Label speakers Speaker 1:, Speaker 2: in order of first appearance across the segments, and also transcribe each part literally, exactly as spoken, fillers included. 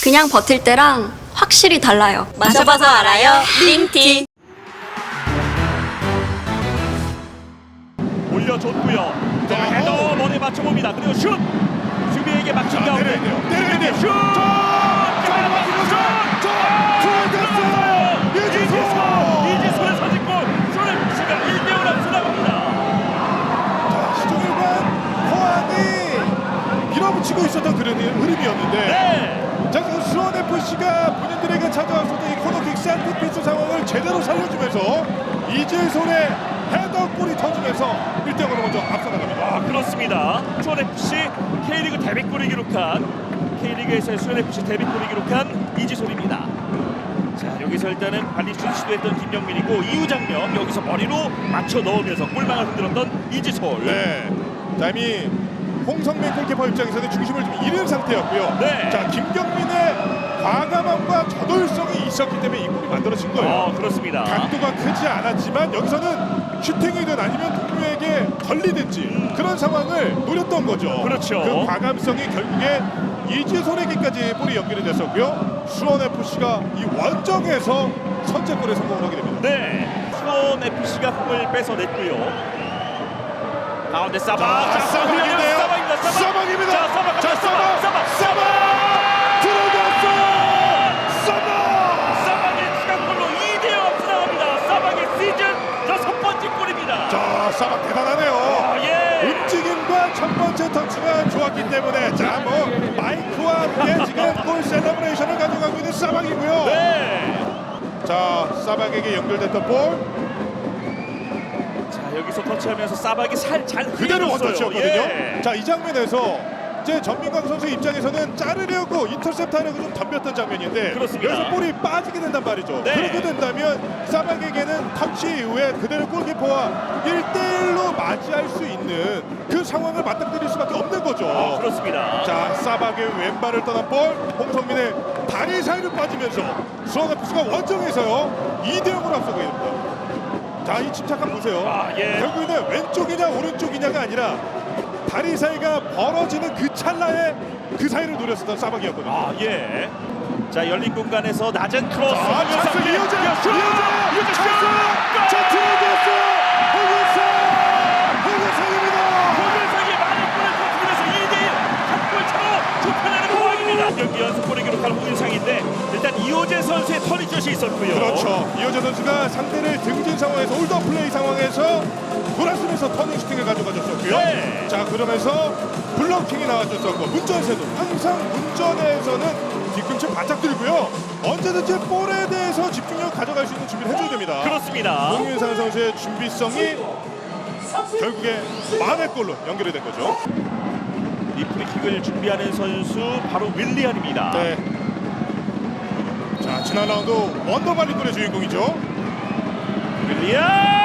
Speaker 1: 그냥 버틸 때랑 확실히 달라요.
Speaker 2: 마셔봐서 알아요. 링티.
Speaker 3: 올려줬고요. 자, 헤더 머리에 맞춰봅니다. 그리고 슛! 수비에게 맞춘
Speaker 4: 자,
Speaker 3: 가운데
Speaker 4: 때려야 돼요. 때려야 돼요.
Speaker 3: 슛!
Speaker 4: 자, 맞히고 슛! 자, 들어갔어요. 이지소!
Speaker 3: 이지소의 선제골! 손흥민씨가 일 대 영 앞서 나갑니다.
Speaker 4: 자, 시종일관 포항이 밀어붙이고 있었던 그런 흐름이었는데
Speaker 3: 네!
Speaker 4: 자, 그 수원에프씨가 본인들에게 찾아왔었던 이 코너킥 세트피스 상황을 제대로 살려주면서 이재솔의 헤더골이 터지면서 일 대 영으로 먼저 앞서 나갑니다.
Speaker 3: 아, 그렇습니다. 수원에프씨 K리그 데뷔골을 기록한 K리그에서의 수원에프씨 데뷔골을 기록한 이지솔입니다. 자, 여기서 일단은 발리슛 시도했던 김영민이고 이후 장면 여기서 머리로 맞춰 넣으면서 골망을 흔들었던 이지솔.
Speaker 4: 네. 자, 이미 홍성민 골키퍼 입장에서는 중심을 좀 잃은 상태였고요.
Speaker 3: 네.
Speaker 4: 자, 김경민의 과감함과 저돌성이 있었기 때문에 이 골이 만들어진 거예요.
Speaker 3: 어, 그렇습니다.
Speaker 4: 각도가 크지 않았지만 여기서는 슈팅이든 아니면 동료에게 걸리든지
Speaker 3: 음.
Speaker 4: 그런 상황을 노렸던 거죠.
Speaker 3: 그렇죠.
Speaker 4: 그 과감성이 결국에 이지솔에게까지 볼이 연결이 됐었고요. 수원에프씨가 이 원정에서 선제골에 성공을 하게 됩니다.
Speaker 3: 네, 수원에프씨가 공을 뺏어냈고요. 가운데 사바.
Speaker 4: 자, 사박인데요.
Speaker 3: 사박입니다. 사박.
Speaker 4: 사박입니다.
Speaker 3: 자, 사박.
Speaker 4: 자, 사박.
Speaker 3: 사박.
Speaker 4: 사박 들어갔어요. 사박.
Speaker 3: 사박의 추가골로 이 대 영 앞서 나갑니다. 사박의 시즌 여섯 번째 골입니다.
Speaker 4: 자, 사박 대단하네요.
Speaker 3: 아, 예.
Speaker 4: 움직임과 첫 번째 터치가 좋았기 때문에 자, 뭐 마이크와 함께 지금 골 셀러브레이션을 가져가고 있는 사박이고요.
Speaker 3: 네.
Speaker 4: 자, 사박에게 연결됐던 볼
Speaker 3: 자, 여기서 터치하면서 사박이 살잘
Speaker 4: 그대로 원터치였거든요.
Speaker 3: 예.
Speaker 4: 자, 이 장면에서 이제 전민광 선수 입장에서는 자르려고 인터셉트하려고 좀 덤볐던 장면인데
Speaker 3: 그렇습니다.
Speaker 4: 여기서 볼이 빠지게 된단 말이죠.
Speaker 3: 네.
Speaker 4: 그렇게 된다면 사박에게는 터치 이후에 그대로 골키퍼와 일 대 일로 맞이할 수 있는 그 상황을 맞닥뜨릴 수밖에 없는 거죠.
Speaker 3: 아, 그렇습니다.
Speaker 4: 자, 사박의 왼발을 떠난 볼 홍성민의 다리 사이로 빠지면서 수원에프씨가 원정에서요 이 대 영으로 앞서게 됩니다. 자, 이 침착함 보세요.
Speaker 3: 아, 예.
Speaker 4: 결국에는 왼쪽이냐 오른쪽이냐가 아니라 다리 사이가 벌어지는 그 찰나에 그 사이를 노렸었던 사박이었거든요.
Speaker 3: 아, 예. 자, 열린 공간에서 낮은 크로스.
Speaker 4: 자, 찬스 이어져! 이어져!
Speaker 3: 슛! 이어져!
Speaker 4: 찬스! 자, 들어갔어요! 홍은성! 홍은성입니다!
Speaker 3: 홍은성이 많은 골을 터뜨리면서 이 대 일 한 골 차로 좁혀내는 상황입니다. 경기 연속골을 기록한 홍은상인데 일단 이호재 선수의 터리슛이 있었고요.
Speaker 4: 그렇죠. 이호재 선수가 상대를 등진 상황에서 홀더 플레이 상황에서 돌아서면서 터닝 슈팅을 가져가줬었고요.
Speaker 3: 네.
Speaker 4: 자, 그러면서 블로킹이 나와줬었고 문전세도 항상 문전에서는 뒤꿈치 바짝 들고요. 언제든지 볼에 대해서 집중력 가져갈 수 있는 준비를 해줘야 됩니다.
Speaker 3: 그렇습니다.
Speaker 4: 홍윤상 선수의 준비성이 결국에 만의 골로 연결이 된 거죠.
Speaker 3: 이 프리킥을 준비하는 선수 바로 윌리안입니다.
Speaker 4: 네. 자, 지난 라운드 원더발리골의 주인공이죠.
Speaker 3: 윌리안!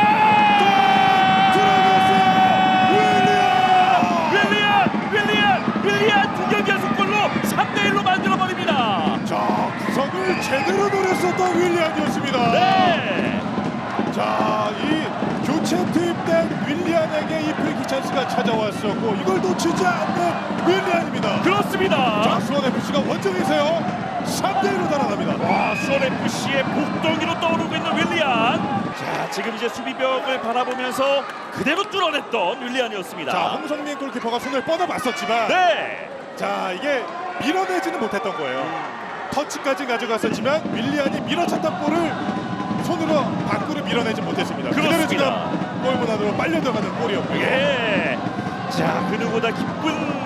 Speaker 3: 윌리안! 윌리안! 윌리안 두 경기 연속골로 삼 대 일로 만들어버립니다.
Speaker 4: 자, 구석을 제대로 노렸었던 윌리안이었습니다.
Speaker 3: 네.
Speaker 4: 자, 이 교체 투입된 윌리안에게 이 프리킥 찬스가 찾아왔었고 이걸 놓치지 않는 윌리안입니다.
Speaker 3: 그렇습니다.
Speaker 4: 자, 수원에프씨가 원정에서요 삼 대 일로 달아납니다.
Speaker 3: 와, 수원에프씨의 복덩이로 떠오르고 있는 윌리안. 자, 지금 이제 수비벽을 바라보면서 그대로 뚫어냈던 윌리안이었습니다.
Speaker 4: 자, 홍성민 골키퍼가 손을 뻗어봤었지만
Speaker 3: 네.
Speaker 4: 자, 이게 밀어내지는 못했던 거예요. 터치까지 가져갔었지만 윌리안이 밀어쳤던 볼을 손으로 밖으로 밀어내지 못했습니다. 그대로
Speaker 3: 그렇습니다.
Speaker 4: 지금 골문 안으로 빨려 들어가는 골이었고요.
Speaker 3: 예. 자, 그 누구보다 기쁜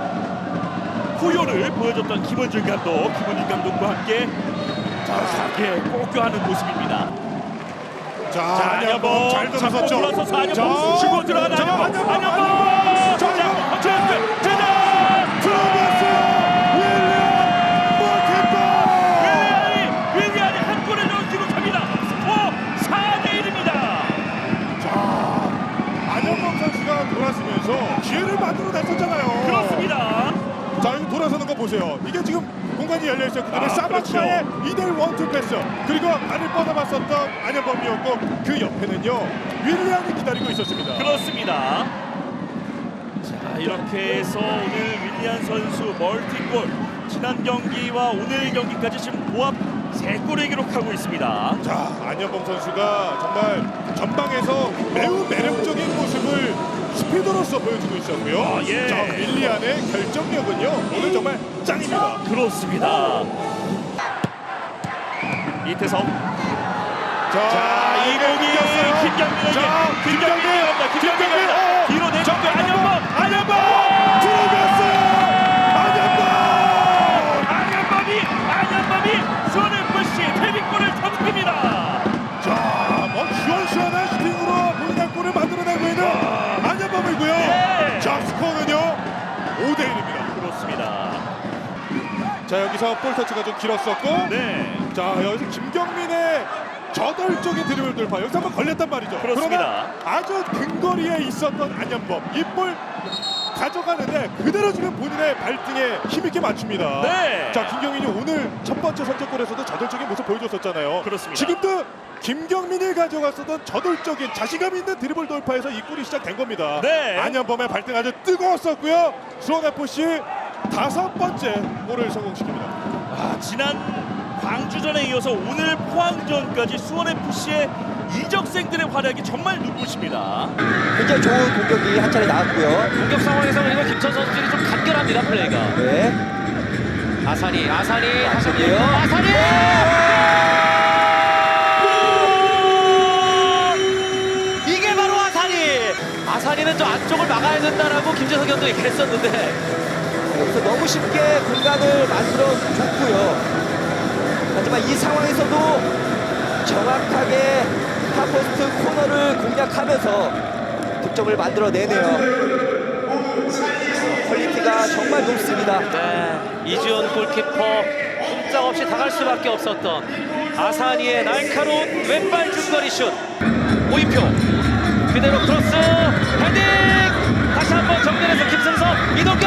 Speaker 3: 포효를 보여줬던 김원준 감독, 김원준 감독과 함께 자, 사게 꼭껴하는 모습입니다.
Speaker 4: 자,
Speaker 3: 자,
Speaker 4: 안현범
Speaker 3: 안현범
Speaker 4: 잘 들어섰죠.
Speaker 3: 올라서서 안현범
Speaker 4: 자,
Speaker 3: 주고 들어가는
Speaker 4: 자,
Speaker 3: 안현범.
Speaker 4: 안현범,
Speaker 3: 안현범.
Speaker 4: 자,
Speaker 3: 자,
Speaker 4: 안현범.
Speaker 3: 자, 자,
Speaker 4: 들어갔어요. 윌리안 골키퍼.
Speaker 3: 윌리안이 윌리안이 한 골을 넣은 기록합니다. 스코어 사 대 일입니다.
Speaker 4: 자, 안현범 선수가 돌아서면서 기회를 만들어냈었잖아요.
Speaker 3: 그렇습니다.
Speaker 4: 자, 여기 돌아서는 거 보세요. 이게 지금 공간이 열려 있었기 때문에
Speaker 3: 아,
Speaker 4: 사바카의
Speaker 3: 그렇죠.
Speaker 4: 이 대 일 원투 패스 그리고 발을 뻗어봤었던 안현범이었고 그 옆에는요 윌리안이 기다리고 있었습니다.
Speaker 3: 그렇습니다. 자, 이렇게 해서 오늘 윌리안 선수 멀티골 지난 경기와 오늘 경기까지 지금 고합 세 골을 기록하고 있습니다.
Speaker 4: 자, 안현범 선수가 정말 전방에서 매우 매력적인 모습을 스피드로서 보여주고 있었고요.
Speaker 3: 아, 예.
Speaker 4: 자, 윌리안의 결정력은요 오늘 정말 짱입니다.
Speaker 3: 그렇습니다. 이태성.
Speaker 4: 자,
Speaker 3: 자, 이 공이
Speaker 4: 이겼어요.
Speaker 3: 김경민에게.
Speaker 4: 자,
Speaker 3: 김경민이 갑니다. 김경민이 갑니다.
Speaker 4: 어.
Speaker 3: 뒤로 내줬고
Speaker 4: 자,
Speaker 3: 안현범. 안현범.
Speaker 4: 들어갔어요. 안현범.
Speaker 3: 안현범이 안현범이 수원에프씨 데뷔골을 터뜨립니다.
Speaker 4: 자, 뭐 시원시원한 슈팅으로 본인의 골을 만들어내고 있는 안현범이고요.
Speaker 3: 예.
Speaker 4: 자, 스코어는요 오 대 일입니다.
Speaker 3: 그렇습니다.
Speaker 4: 자, 여기서 볼 터치가 좀 길었었고,
Speaker 3: 네.
Speaker 4: 자, 여기서 김경민의 저돌적인 드리블 돌파 여기서 한번 걸렸단 말이죠.
Speaker 3: 그렇습니다.
Speaker 4: 그러나 아주 근거리에 있었던 안현범 이 볼 가져가는데 그대로 지금 본인의 발등에 힘있게 맞춥니다.
Speaker 3: 네.
Speaker 4: 자, 김경민이 오늘 첫 번째 선제골에서도 저돌적인 모습 보여줬었잖아요.
Speaker 3: 그렇습니다.
Speaker 4: 지금도 김경민이 가져갔었던 저돌적인 자신감 있는 드리블 돌파에서 이 골이 시작된 겁니다.
Speaker 3: 네.
Speaker 4: 안현범의 발등 아주 뜨거웠었고요. 수원에프씨 다섯 번째 골을 성공시킵니다.
Speaker 3: 아, 지난 광주전에 이어서 오늘 포항전까지 수원에프씨의 이적생들의 활약이 정말 눈부십니다.
Speaker 5: 굉장히 좋은 공격이 한 차례 나왔고요.
Speaker 2: 공격 상황에서 그리고 김천 선수들이 좀 간결합니다, 플레이가.
Speaker 5: 네.
Speaker 2: 아사니, 아사니,
Speaker 5: 아사니예요.
Speaker 2: 아사니! 이게 바로 아사니! 아사니는 저 안쪽을 막아야 된다라고 김재석 감독이 얘기했었는데
Speaker 5: 여기서 너무 쉽게 공간을 만들어 줬고요. 하지만 이 상황에서도 정확하게 하포스트 코너를 공략하면서 득점을 만들어내네요. 퀄리티가 정말 높습니다.
Speaker 2: 네, 이주연 골키퍼 꼼짝없이 당할 수밖에 없었던 아사니의 날카로운 왼발 중거리 슛. 오인표 그대로 크로스 헤딩 다시 한번 정면에서 김승섭 이동경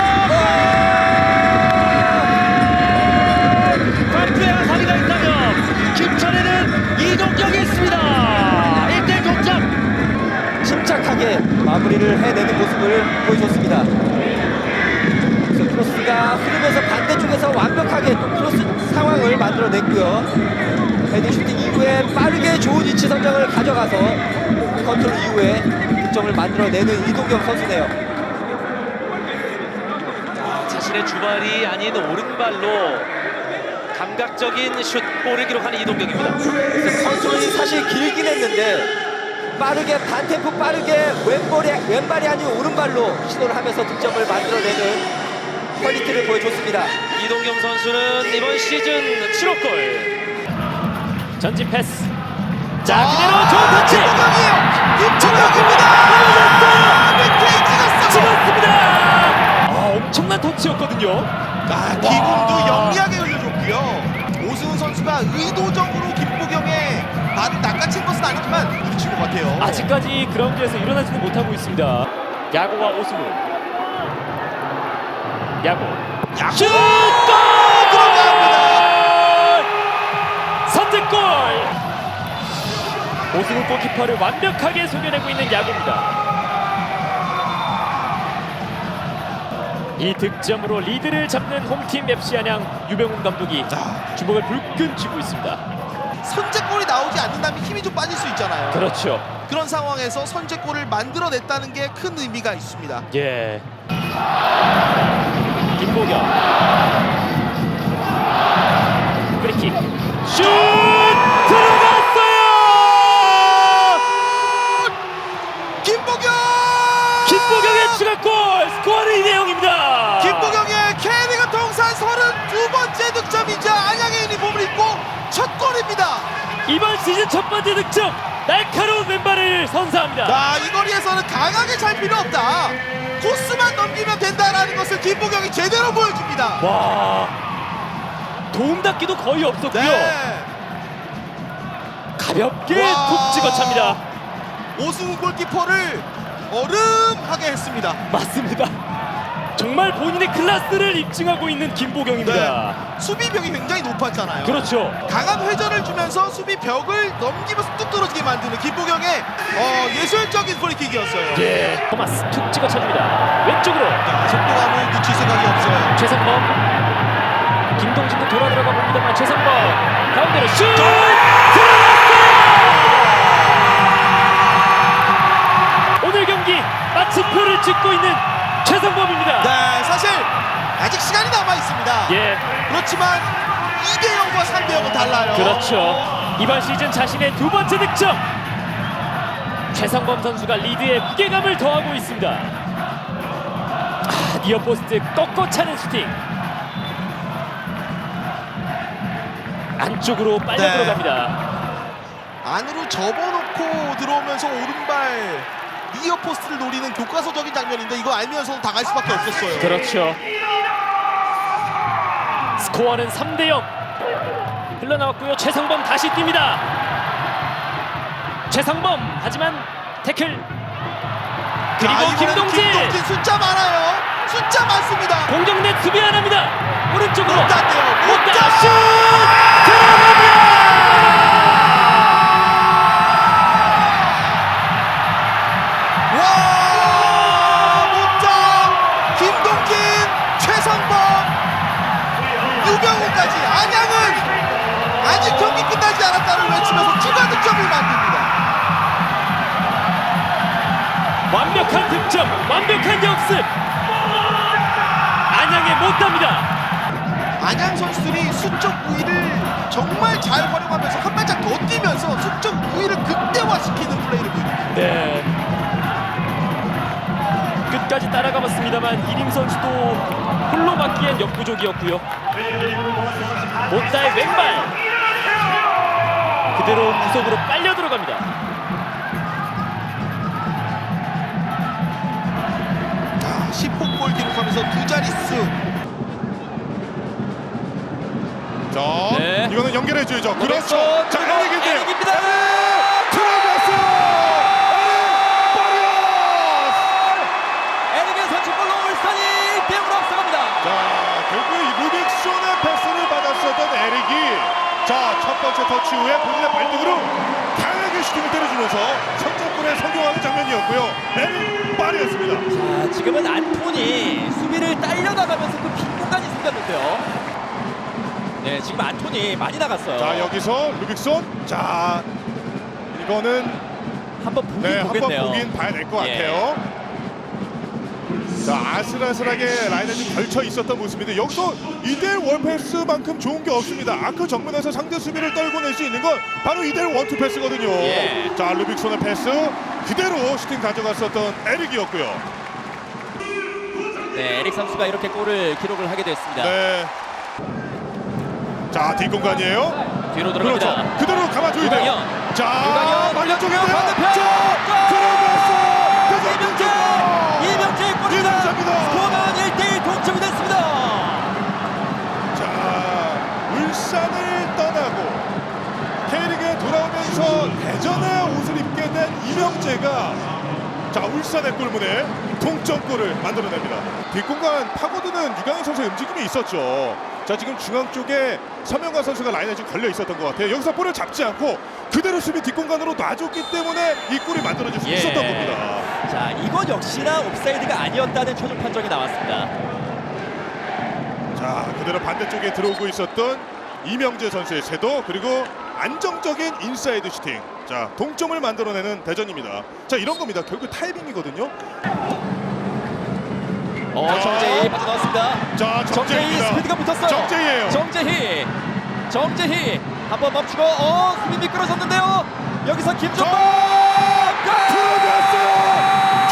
Speaker 2: 광주에 아사니가 있다면 김천에는 이동경이 있습니다. 일 대 일 동점.
Speaker 5: 침착하게 마무리를 해내는 모습을 보여줬습니다. 그래서 크로스가 흐르면서 반대쪽에서 완벽하게 또 크로스 상황을 만들어냈고요. 헤딩 슈팅 이후에 빠르게 좋은 위치 선정을 가져가서 컨트롤 이후에 득점을 만들어내는 이동경 선수네요.
Speaker 2: 자신의 주발이 아닌 오른발로 감각적인 슛골을 기록하는 이동경입니다.
Speaker 5: 그래서 컨트롤이 사실 길긴 했는데 빠르게 반템포 빠르게 왼발이, 왼발이 아닌 오른발로 시도를 하면서 득점을 만들어내는 퀄리티를 보여줬습니다.
Speaker 2: 이동경 선수는 이번 시즌 칠 호 골. 전진 패스. 자, 그대로 좋은 터치.
Speaker 5: 김정혁입니다.
Speaker 2: 찍었습니다. 아, 엄청난 터치였거든요.
Speaker 6: 아, 기공도 영리하게 흘려줬고요. 오승훈 선수가 의도적으로 김보경의 발을 낚아챈 것은 아니지만 부딪힌 것 같아요.
Speaker 7: 아직까지 그라운드에서 일어나지는 못하고 있습니다. 야구와 오승훈. 야구.
Speaker 6: 야구
Speaker 7: 슛!
Speaker 6: 들어갑니다.
Speaker 7: 선제골! 오승훈 골키퍼를 완벽하게 속여내고 있는 야구입니다. 이 득점으로 리드를 잡는 홈팀 맵시 안양 유병훈 감독이 주먹을 불끈 쥐고 있습니다.
Speaker 6: 선제골이 나오지 않는다면 힘이 좀 빠질 수 있잖아요.
Speaker 7: 그렇죠.
Speaker 6: 그런 상황에서 선제골을 만들어냈다는 게 큰 의미가 있습니다.
Speaker 7: 예. 김보경. 프리킥. 슛! 들어갔어요!
Speaker 6: 김보경!
Speaker 7: 김보경의 추가골! 스코어는 이 대 영입니다.
Speaker 6: 김보경의 K리그 통산 서른두 번째 득점이자 안양의 유니폼을 입고 첫 골입니다.
Speaker 7: 이번 시즌 첫 번째 득점! 날카로운 왼발을 선사합니다.
Speaker 6: 자, 이 거리에서는 강하게 찰 필요 없다. 코스만 넘기면 된다라는 것을 김보경이 제대로 보여줍니다.
Speaker 7: 와, 도움닫기도 거의 없었고요.
Speaker 6: 네.
Speaker 7: 가볍게
Speaker 6: 와.
Speaker 7: 툭 찍어찹니다.
Speaker 6: 오승훈 골키퍼를 얼음하게 했습니다.
Speaker 7: 맞습니다. 정말 본인의 클래스를 입증하고 있는 김보경입니다.
Speaker 6: 수비벽이 굉장히 높았잖아요.
Speaker 7: 그렇죠.
Speaker 6: 강한 회전을 주면서 수비벽을 넘기면서 뚝 떨어지게 만드는 김보경의 어, 예술적인 프리킥이었어요.
Speaker 7: 예. 토마스 툭 찍어찹니다. 왼쪽으로
Speaker 6: 속도감을 늦출 생각이 없어요.
Speaker 7: 최성범. 김동진도 돌아 들어가 봅니다만 최성범 가운데로 슛! 오늘 경기 마침표를 찍고 있는 최성범입니다.
Speaker 6: 네, 사실 아직 시간이 남아 있습니다.
Speaker 7: 예,
Speaker 6: 그렇지만 이 대 영과 삼 대 영은 달라요.
Speaker 7: 그렇죠. 이번 시즌 자신의 두 번째 득점. 최성범 선수가 리드에 무게감을 더하고 있습니다. 아, 니어포스트 꺾어 차는 슈팅. 안쪽으로 빨려
Speaker 6: 네.
Speaker 7: 들어갑니다.
Speaker 6: 안으로 접어놓고 들어오면서 오른발 니어 포스트를 노리는 교과서적인 장면인데 이거 알면서도 당할 수밖에 없었어요.
Speaker 7: 그렇죠. 스코어는 삼 대 영. 흘러나왔고요. 최성범 다시 뜁니다. 최성범 하지만 태클. 그리고
Speaker 6: 자, 이번에는
Speaker 7: 김동진.
Speaker 6: 김동진 숫자 많아요. 숫자 많습니다.
Speaker 7: 공격넷 수비 안 합니다. 오른쪽으로
Speaker 6: 못 땄대요. 못
Speaker 7: 못다
Speaker 6: 땄.
Speaker 7: 슛 들어갑니다.
Speaker 6: 와, 못다. 김동진, 최성범, 유병우까지 안양은 아직 경기 끝나지 않았다는 외치면서 추가 득점을 만듭니다.
Speaker 7: 완벽한 득점, 완벽한 역습. 안양에 못답니다.
Speaker 6: 안양 선수들이 수적 우위를 정말 잘 활용하면서 한 발짝 더 뛰면서 수적 우위를 극대화시키는 플레이를 보여줍니다.
Speaker 7: 네. 끝까지 따라가봤습니다만 이림 선수도 홀로 막기엔 역부족이었고요. 못다의 왼발 그대로 구석으로 빨려 들어갑니다.
Speaker 6: 자, 십 홈골 기록하면서 두 자릿수.
Speaker 4: 자,
Speaker 7: 네.
Speaker 4: 이거는 연결해줘야죠. 그렇죠.
Speaker 7: 그렇죠.
Speaker 4: 자,
Speaker 7: 그리고
Speaker 4: 에릭인데요.
Speaker 7: 에릭입니다.
Speaker 4: 들어갔어요.
Speaker 5: 에릭의 선취골로 울산이 일 대 영으로 앞서갑니다.
Speaker 4: 자, 결국 이 루빅손의 패스를 받았었던 에릭이 자, 첫 번째 터치 후에 본인의 발등으로 강하게 슈팅을 때려주면서 선제골에 성공하는 장면이었고요. 에릭 빠르였습니다.
Speaker 5: 자, 지금은 안톤이 수비를 딸려 나가면서 그 빈 공간이 생겼는데요. 네, 지금 안톤이 많이 나갔어요.
Speaker 4: 자, 여기서 루빅손. 자, 이거는
Speaker 5: 한번 보긴
Speaker 4: 네, 한번
Speaker 5: 보겠네요.
Speaker 4: 보긴 봐야 될 것
Speaker 5: 예.
Speaker 4: 같아요. 자, 아슬아슬하게 라인에 좀 걸쳐 있었던 모습인데 여기서 이대일 원패스만큼 좋은 게 없습니다. 아크 정면에서 상대 수비를 떨궈낼 수 있는 건 바로 이대일 원투 패스거든요.
Speaker 5: 예.
Speaker 4: 자, 루빅손의 패스 그대로 슈팅 가져갔었던 에릭이었고요.
Speaker 5: 네, 에릭 선수가 이렇게 골을 기록을 하게 됐습니다.
Speaker 4: 네. 자, 뒷공간이에요.
Speaker 5: 뒤로 들어갑니다.
Speaker 4: 그렇죠. 그대로 감아줘야 돼요.
Speaker 5: 유강현.
Speaker 4: 자,
Speaker 5: 유강현
Speaker 4: 반대쪽인데요.
Speaker 5: 반대편.
Speaker 4: 자, 들어갔어.
Speaker 5: 이명재! 이명재의 골입니다.
Speaker 4: 이명재입니다.
Speaker 5: 스코어는 일 대 일 동점이 됐습니다.
Speaker 4: 자, 울산을 떠나고 K리그에 돌아오면서 대전에 옷을 입게 된 이명재가 자, 울산의 골문에 동점골을 만들어냅니다. 뒷공간 파고드는 유강현 선수의 움직임이 있었죠. 자, 지금 중앙 쪽에 서명관 선수가 라인에 좀 걸려 있었던 것 같아요. 여기서 볼을 잡지 않고 그대로 수비 뒷공간으로 놔줬기 때문에 이 골이 만들어질 수
Speaker 5: 예.
Speaker 4: 있었던 겁니다.
Speaker 5: 자, 이건 역시나 옵사이드가 아니었다는 최종 판정이 나왔습니다.
Speaker 4: 자, 그대로 반대쪽에 들어오고 있었던 이명재 선수의 세도 그리고 안정적인 인사이드 슈팅. 자, 동점을 만들어내는 대전입니다. 자, 이런 겁니다. 결국 타이밍이거든요.
Speaker 5: 어,
Speaker 4: 자.
Speaker 5: 정재희 빠져나왔습니다.
Speaker 4: 자,
Speaker 5: 정재희
Speaker 4: 정재희입니다.
Speaker 5: 스피드가 붙었어요.
Speaker 4: 정재희예요.
Speaker 5: 정재희. 정재희. 한번 멈추고 어, 수비 미끄러졌는데요. 여기서 김종범.
Speaker 4: 들어갔어요.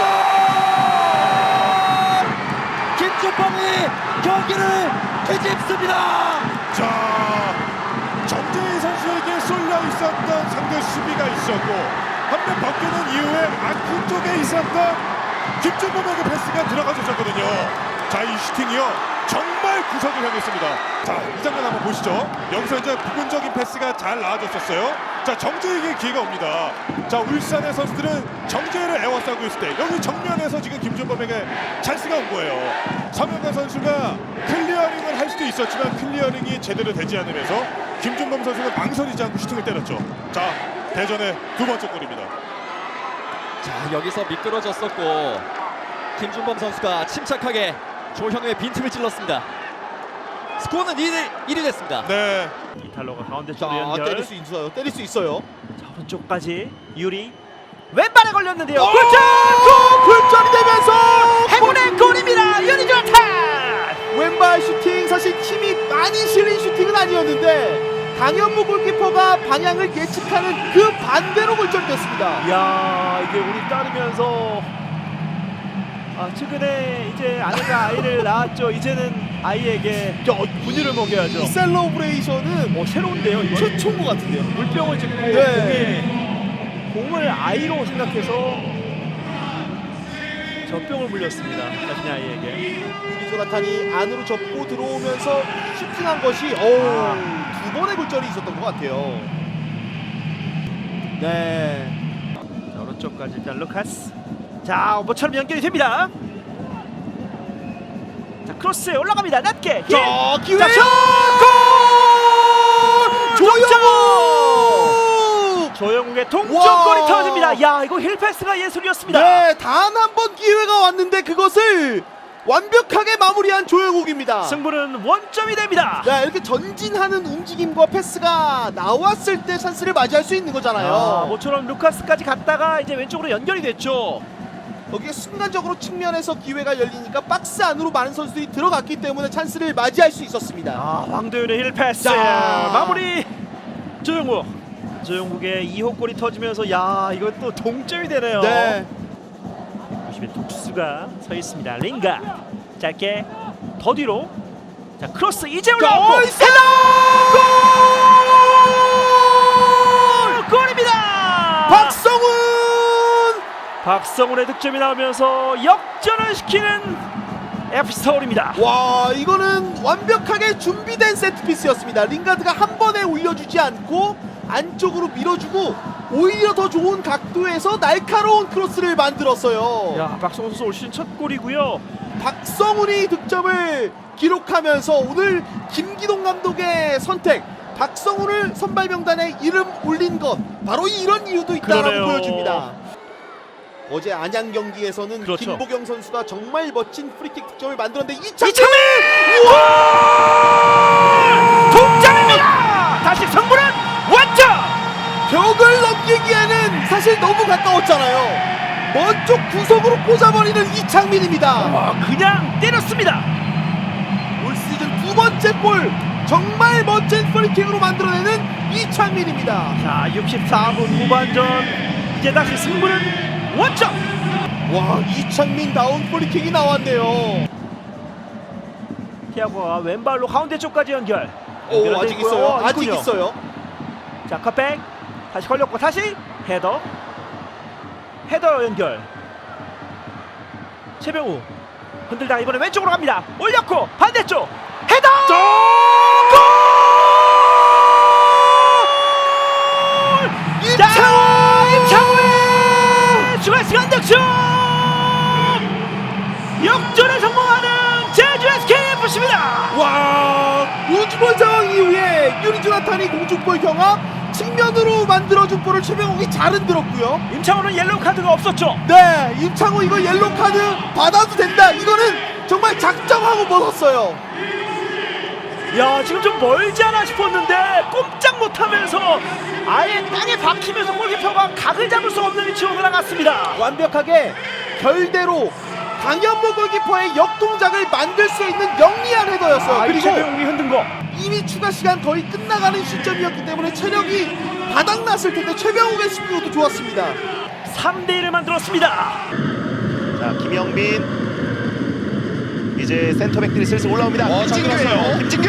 Speaker 4: 김정범.
Speaker 5: 김종범이 경기를 뒤집습니다.
Speaker 4: 자, 정재희 선수에게 쏠려 있었던 상대 수비가 있었고 한 명 벗기는 이후에 아크 쪽에 있었던 김준범에게 패스가 들어가줬었거든요. 자, 이 슈팅이요 정말 구석을 향했습니다. 자, 이 장면 한번 보시죠. 여기서 이제 부분적인 패스가 잘 나와줬었어요. 자, 정재희에게 기회가 옵니다. 자, 울산의 선수들은 정재희를 애워싸고 있을 때 여기 정면에서 지금 김준범에게 찬스가 온 거예요. 서명관 선수가 클리어링을 할 수도 있었지만 클리어링이 제대로 되지 않으면서 김준범 선수가 망설이지 않고 슈팅을 때렸죠. 자, 대전의 두 번째 골입니다.
Speaker 5: 자, 여기서 미끄러졌었고 김준범 선수가 침착하게 조현우의 빈틈을 찔렀습니다. 스코어는 일 위 됐습니다.
Speaker 4: 네.
Speaker 3: 이탈로가 가운데
Speaker 6: 자,
Speaker 3: 쪽으로 연결.
Speaker 6: 때릴 수 있어요. 때릴 수 있어요.
Speaker 3: 자, 오른쪽까지 유리 왼발에 걸렸는데요.
Speaker 6: 골!
Speaker 3: 골!
Speaker 6: 골! 골절이 되면서
Speaker 3: 행운의 골입니다. 유리 조탄.
Speaker 6: 왼발 슈팅, 사실 힘이 많이 실린 슈팅은 아니었는데 강현무 골키퍼가 방향을 예측하는 그 반대로 골절이 됐습니다.
Speaker 3: 야, 이게 우리 따르면서 아, 최근에 이제 아내가 아이를 낳았죠. 이제는 아이에게 분유를 먹여야죠.
Speaker 6: 이 셀러브레이션은
Speaker 3: 어, 새로운데요, 이거?
Speaker 6: 최초인 것 같은데요.
Speaker 3: 물병을 짚고
Speaker 6: 네.
Speaker 3: 공에 공을 아이로 생각해서 젖병을 물렸습니다. 자신의 아이에게.
Speaker 6: 유리조나탄이 안으로 접고 들어오면서 슈팅한 것이 어우, 두 번의 골절이 있었던 것 같아요. 네.
Speaker 3: 자, 오른쪽까지 일단 루카스. 자, 뭐처럼 연결이 됩니다. 자, 크로스 올라갑니다. 낮게. 힐.
Speaker 6: 자, 기회.
Speaker 3: 자, 슛!
Speaker 6: 골! 조영욱!
Speaker 3: 조영욱의 동점골이
Speaker 6: 와.
Speaker 3: 터집니다. 야, 이거 힐 패스가 예술이었습니다.
Speaker 6: 네, 단 한 번 기회가 왔는데 그것을 완벽하게 마무리한 조영욱입니다.
Speaker 3: 승부는 원점이 됩니다.
Speaker 6: 네, 이렇게 전진하는 움직임과 패스가 나왔을 때 찬스를 맞이할 수 있는 거잖아요.
Speaker 3: 아, 모처럼 루카스까지 갔다가 이제 왼쪽으로 연결이 됐죠.
Speaker 6: 거기에 순간적으로 측면에서 기회가 열리니까 박스 안으로 많은 선수들이 들어갔기 때문에 찬스를 맞이할 수 있었습니다.
Speaker 3: 아, 황도윤의 힐 패스.
Speaker 6: 자.
Speaker 3: 마무리. 조영욱. 조영욱의 이 호 골이 터지면서 야, 이거 또 동점이 되네요.
Speaker 6: 네.
Speaker 3: 보시면 독수가 서 있습니다. 링가 짧게 더 뒤로. 자, 크로스 이제 올라오고
Speaker 6: 나이스!
Speaker 3: 골! 골입니다.
Speaker 6: 박성훈!
Speaker 3: 박성훈의 득점이 나오면서 역전을 시키는 에프씨 서울입니다.
Speaker 6: 와, 이거는 완벽하게 준비된 세트피스였습니다. 링가드가 한 번에 올려주지 않고 안쪽으로 밀어주고 오히려 더 좋은 각도에서 날카로운 크로스를 만들었어요.
Speaker 3: 야, 박성훈 선수 올 시즌 첫 골이고요.
Speaker 6: 박성훈이 득점을 기록하면서 오늘 김기동 감독의 선택, 박성훈을 선발 명단에 이름 올린 것, 바로 이런 이유도 있다고
Speaker 3: 그러네요.
Speaker 6: 보여줍니다. 어제 안양 경기에서는
Speaker 3: 그렇죠.
Speaker 6: 김보경 선수가 정말 멋진 프리킥 득점을 만들었는데 이창민!
Speaker 3: 동점입니다. 다시 승부는 원점.
Speaker 6: 벽을 넘기기에는 사실 너무 가까웠잖아요. 먼쪽 구석으로 꽂아버리는 이창민입니다.
Speaker 3: 와, 그냥 때렸습니다.
Speaker 6: 올 시즌 두 번째 골, 정말 멋진 프리킥으로 만들어내는 이창민입니다.
Speaker 3: 자, 육십사 분 후반전 이제 다시 승부는 원점.
Speaker 6: 와, 이창민다운 프리킥이 나왔네요.
Speaker 3: 티아고가 왼발로 가운데 쪽까지 연결.
Speaker 6: 오,
Speaker 3: 연결돼
Speaker 6: 아직
Speaker 3: 있고요.
Speaker 6: 있어요.
Speaker 3: 어,
Speaker 6: 아직
Speaker 3: 있군요.
Speaker 6: 있어요.
Speaker 3: 자, 컷백 다시 걸렸고 다시 헤더. 헤더 연결. 최병우 흔들다가 이번에 왼쪽으로 갑니다. 올렸고 반대쪽 헤더. 골!
Speaker 6: 임창호!
Speaker 3: 임창호의 추가 시간 득점. 역전에 성공하는 제주 에스케이에프씨입니다.
Speaker 6: 와, 우주볼 상황 이후에 유리조나탄이 공중볼 경합 측면으로 만들어준 볼을 최병욱이 잘 흔들었고요.
Speaker 3: 임창호는 옐로우 카드가 없었죠.
Speaker 6: 네, 임창호 이거 옐로 카드 받아도 된다. 이거는 정말 작정하고 벗었어요.
Speaker 3: 야, 지금 좀 멀지 않아 싶었는데 꼼짝 못하면서 아예 땅에 박히면서 골키퍼가 각을 잡을 수 없는 위치로 올라갔습니다.
Speaker 6: 완벽하게 결대로 강현무 골키퍼의 역동작을 만들 수 있는 영리한 헤더였어요.
Speaker 3: 아,
Speaker 6: 그리고
Speaker 3: 최병욱이 흔든 거.
Speaker 6: 이미 추가 시간 거의 끝나가는 시점이었기 때문에 체력이 바닥났을 텐데 최병욱의 승부도 좋았습니다.
Speaker 3: 삼 대 일을 만들었습니다.
Speaker 8: 자, 김영민 이제 센터백들이 슬슬 올라옵니다.
Speaker 4: 어, 잘
Speaker 8: 김진규예요.
Speaker 4: 들어갔어요.
Speaker 8: 김진규!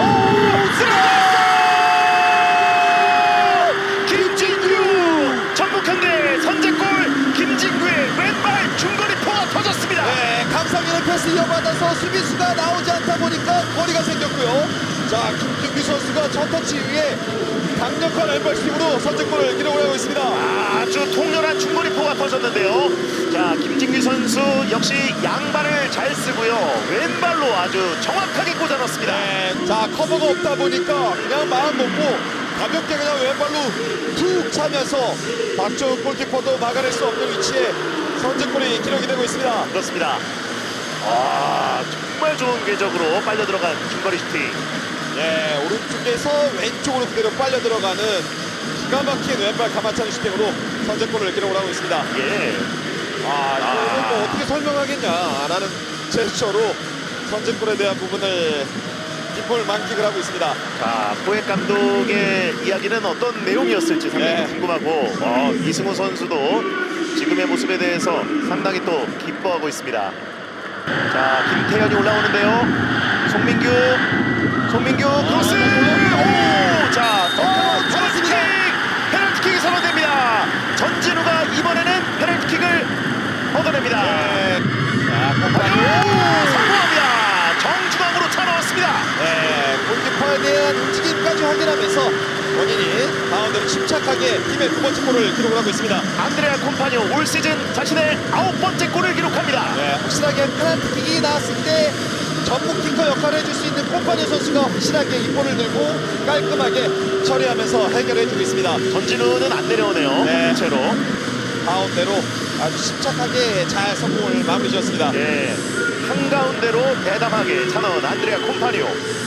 Speaker 8: 김진규! 전북현대 선제골 김진규의 왼발 중거리 포가 터졌습니다.
Speaker 6: 네, 강상현의 패스 이어받아서 수비수가 나오지 않다 보니까 거리가 생겼고요.
Speaker 4: 자, 김진규 선수가 첫 터치 이후에 강력한 왼발스틱으로 선제골을 기록을 하고 있습니다.
Speaker 8: 아주 통렬한 중거리 포가 터졌는데요. 자, 김진규 선수 역시 양발을 잘 쓰고요. 왼발로 아주 정확하게 꽂아 넣습니다.
Speaker 4: 네, 자, 커버가 없다 보니까 그냥 마음 먹고 가볍게 그냥 왼발로 툭 차면서 박정훈 골키퍼도 막아낼 수 없는 위치에 선제골이 기록이 되고 있습니다.
Speaker 8: 그렇습니다. 아, 정말 좋은 궤적으로 빨려 들어간 중거리 슈팅.
Speaker 5: 네, 오른쪽에서 왼쪽으로 그대로 빨려 들어가는 기가 막힌 왼발 가마차기 슈팅으로 선제골을 기록을 하고 있습니다.
Speaker 8: 예.
Speaker 5: 아, 이거는 뭐 어떻게 설명하겠냐 라는 제스처로 선제골에 대한 부분을 기쁨을 만끽을 하고 있습니다.
Speaker 8: 자, 포획 감독의 이야기는 어떤 내용이었을지 상당히
Speaker 5: 네.
Speaker 8: 궁금하고 어, 이승우 선수도 지금의 모습에 대해서 상당히 또 기뻐하고 있습니다. 자, 김태현이 올라오는데요. 송민규, 송민규 크로스. 오, 자, 어, 페널티킥, 페널티킥이 선언됩니다. 전진우가 이번에는 페널티킥을 얻어냅니다.
Speaker 5: 네. 자,
Speaker 8: 오, 성공합니다. 정중앙으로 차 넣었습니다.
Speaker 5: 네, 골키퍼에 대한 움직임까지 확인하면서 본인이 가운데로 침착하게 팀의 두 번째 골을 기록을 하고 있습니다.
Speaker 8: 안드레아 콤파뇨 올 시즌 자신의 아홉 번째 골을 기록합니다.
Speaker 5: 네, 확실하게 페널티킥이 나왔을 때 전문 키커 역할을 해줄 수 있는 콤파니 선수가 확실하게 이 볼을 들고 깔끔하게 처리하면서 해결해주고 있습니다.
Speaker 8: 전진우는 안 내려오네요.
Speaker 5: 네.
Speaker 8: 채로.
Speaker 5: 가운데로 아주 침착하게 잘 성공을 마무리 지었습니다.
Speaker 8: 예. 한가운데로 대담하게 차넣은 안드레아 콤파뇨.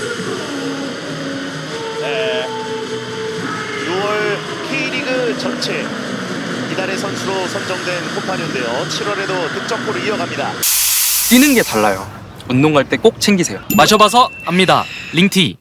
Speaker 5: 네.
Speaker 8: 유월 K리그 전체 이달의 선수로 선정된 콤파뇨인데요. 칠월에도 득점골을 이어갑니다.
Speaker 9: 뛰는 게 달라요. 운동 갈 때 꼭 챙기세요. 마셔봐서 압니다. 링티.